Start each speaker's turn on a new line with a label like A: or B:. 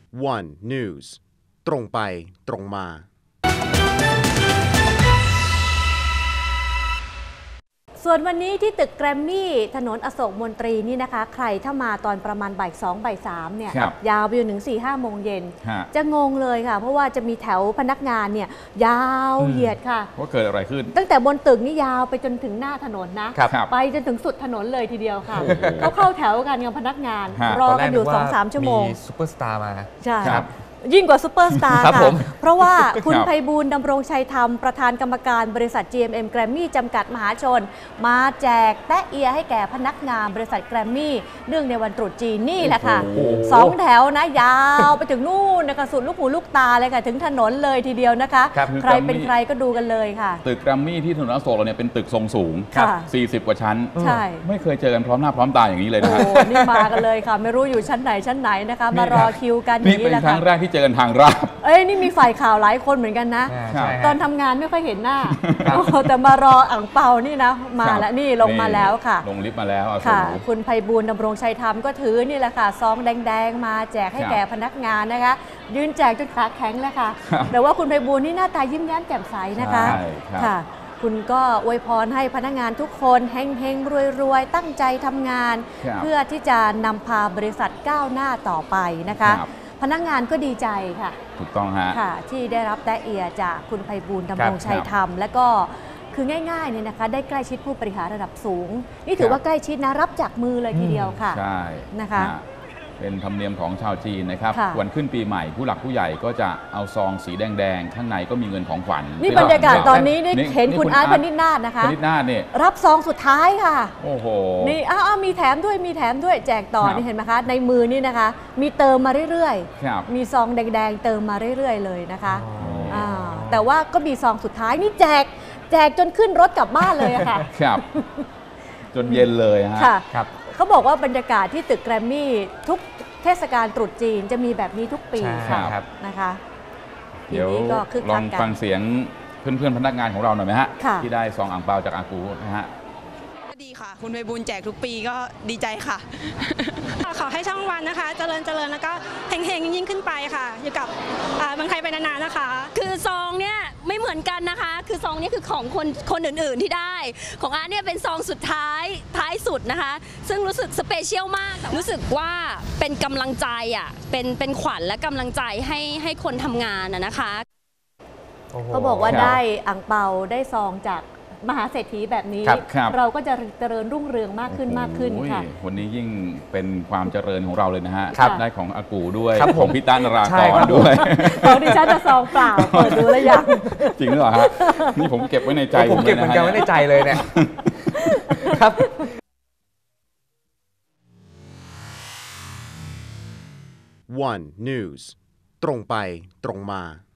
A: One News ตรงไปตรงมา
B: ส่วนวันนี้ที่ตึกแกรมมี่ถนนอโศกมนตรีนี่นะคะใครถ้ามาตอนประมาณบ่าย2บ่าย3เนี่ยยาวไปจนถึง 4-5 โมงเย็นจะงงเลยค่ะเพราะว่าจะมีแถวพนักงานเนี่ยยาวเหยียดค่ะ
C: ว่าเกิดอะไรขึ้น
B: ตั้งแต่บนตึกนี่ยาวไปจนถึงหน้าถนนนะไปจนถึงสุดถนนเลยทีเดียวค่ะเขาเข้าแถวกันกับพนักงานรอกันอยู่ 2-3 ชั่วโมง
D: มีซุปเปอร์สตาร์มา
B: ใช่ยิ่งกว่าซูเปอร์สตาร์ค่ะเพราะว่าคุณไพบูลย์ดำรงชัยธรรมประธานกรรมการบริษัท GMM แกรมมี่จำกัดมหาชนมาแจกแตะเอียให้แก่พนักงานบริษัทแกรมมี่เนื่องในวันตรุษจีนนี่แหละค่ะ2แถวนะยาวไปถึงนู่นนะคะสุดลูกหูลูกตาเลยค่ะถึงถนนเลยทีเดียวนะคะใครเป็นใครก็ดูกันเลยค่ะ
C: ตึกแกรมมี่ที่ถนนอโศกเราเนี่ยเป็นตึกทรงสูง40 กว่าชั้น
B: ใช่
C: ไม่เคยเจอกันพร้อมหน้าพร้อมตาอย่างนี้เลยนะ
B: นี่มากันเลยค่ะไม่รู้อยู่ชั้นไหนนะคะมารอคิวกันอย่าง
C: นี้แหละค่ะนี่เป็นครั้งแรกที่เจอกันทางราบ
B: นี่มีฝ่ายข่าวหลายคนเหมือนกันนะตอนทำงานไม่ค่อยเห็นหน้าแต่มารออ่างเปานี่นะมาแล้วนี่ลงมาแล้วค่ะ
C: ลงลิฟต์มาแล้ว
B: ค่ะคุณไพบูลย์ดำรงชัยธรรมก็ถือนี่แหละค่ะซองแดงๆมาแจกให้แก่พนักงานนะคะยืนแจกจนขาแข็งเลยค่ะแต่ว่าคุณไพบูลย์นี่หน้าตายิ้มแย้มแจ่มใสนะคะค่ะคุณก็อวยพรให้พนักงานทุกคนเฮงๆรวยๆตั้งใจทำงานเพื่อที่จะนำพาบริษัทก้าวหน้าต่อไปนะคะพนักงานก็ดีใจค่ะ
C: ถูกต้องฮะ
B: ที่ได้รับแตะเอียจากคุณไพบูลย์ดำรงชัยธรรมและก็คือง่ายๆเนี่ยนะคะได้ใกล้ชิดผู้บริหารระดับสูงนี่ถือว่าใกล้ชิดนะรับจากมือเลยทีเดียวค่ะ
C: ใช่
B: นะคะ
C: เป็นธรรมเนียมของชาวจีนนะครับวันขึ้นปีใหม่ผู้หลักผู้ใหญ่ก็จะเอาซองสีแดงๆข้างในก็มีเงินของขวัญ
B: นี่บรรยากาศตอนนี้ได้เห็นคุณอาร์ตพนิษฐ์นาถนะคะ
C: พนิษฐ์นาถเนี่ย
B: รับซองสุดท้ายค่ะ
C: โอ้โห
B: นี่มีแถมด้วยแจกต่อนี่เห็นไหมคะในมือนี่นะคะมีเติมมาเรื่อยๆมีซองแดงๆเติมมาเรื่อยๆเลยนะคะแต่ว่าก็มีซองสุดท้ายนี่แจกจนขึ้นรถกลับบ้านเลยค่ะ
C: ครับจนเย็นเลยฮะ
B: ครับเขาบอกว่าบรรยากาศที่ตึกแกรมมี่ทุกเทศกาลตรุษจีนจะมีแบบนี้ทุกปีค่ะนะคะ
C: เดี๋ยวลองฟังเสียงเพื่อนๆพนักงานของเราหน่อยไหมฮะที่ได้ซองอ่างเปาจากอากูนะฮะ
E: ดีค่ะคุณไพบูลย์แจกทุกปีก็ดีใจค่ะ
F: ขอให้ช่องวันนะคะเจริญแล้วก็เฮงๆยิ่งขึ้นไปค่ะอยู่กับเมืองไทยไปนานๆนะคะ
G: คือซองเนี่ยไม่เหมือนกันนะคะคือซองนี้คือของคนอื่นๆที่ได้ของอาร์ตเนี่ยเป็นซองสุดท้ายสุดนะคะซึ่งรู้สึกสเปเชียลมากรู้สึกว่าเป็นกำลังใจเป็นขวัญและกำลังใจให้คนทำงานนะคะ
B: เขาบอกว่าได้อ่างเปาได้ซองจากมหาเศรษฐีแบบนี้เราก็จะเจริญรุ่งเรืองมากขึ้นค่ะ
C: วันนี้ยิ่งเป็นความเจริญของเราเลยนะฮะได้ของอากูด้วยของพี่ต้านรากรด้วย
B: ของดิฉันจะซองเปล่าเปิดดูแล้วยัง
C: จริงหรือเปล่าฮะนี่ผมเก็บไว้ในใจ
D: ผมเก็บเหมือนกันไว้ในใจเลยเนี่ยครับ
A: One News ตรงไปตรงมา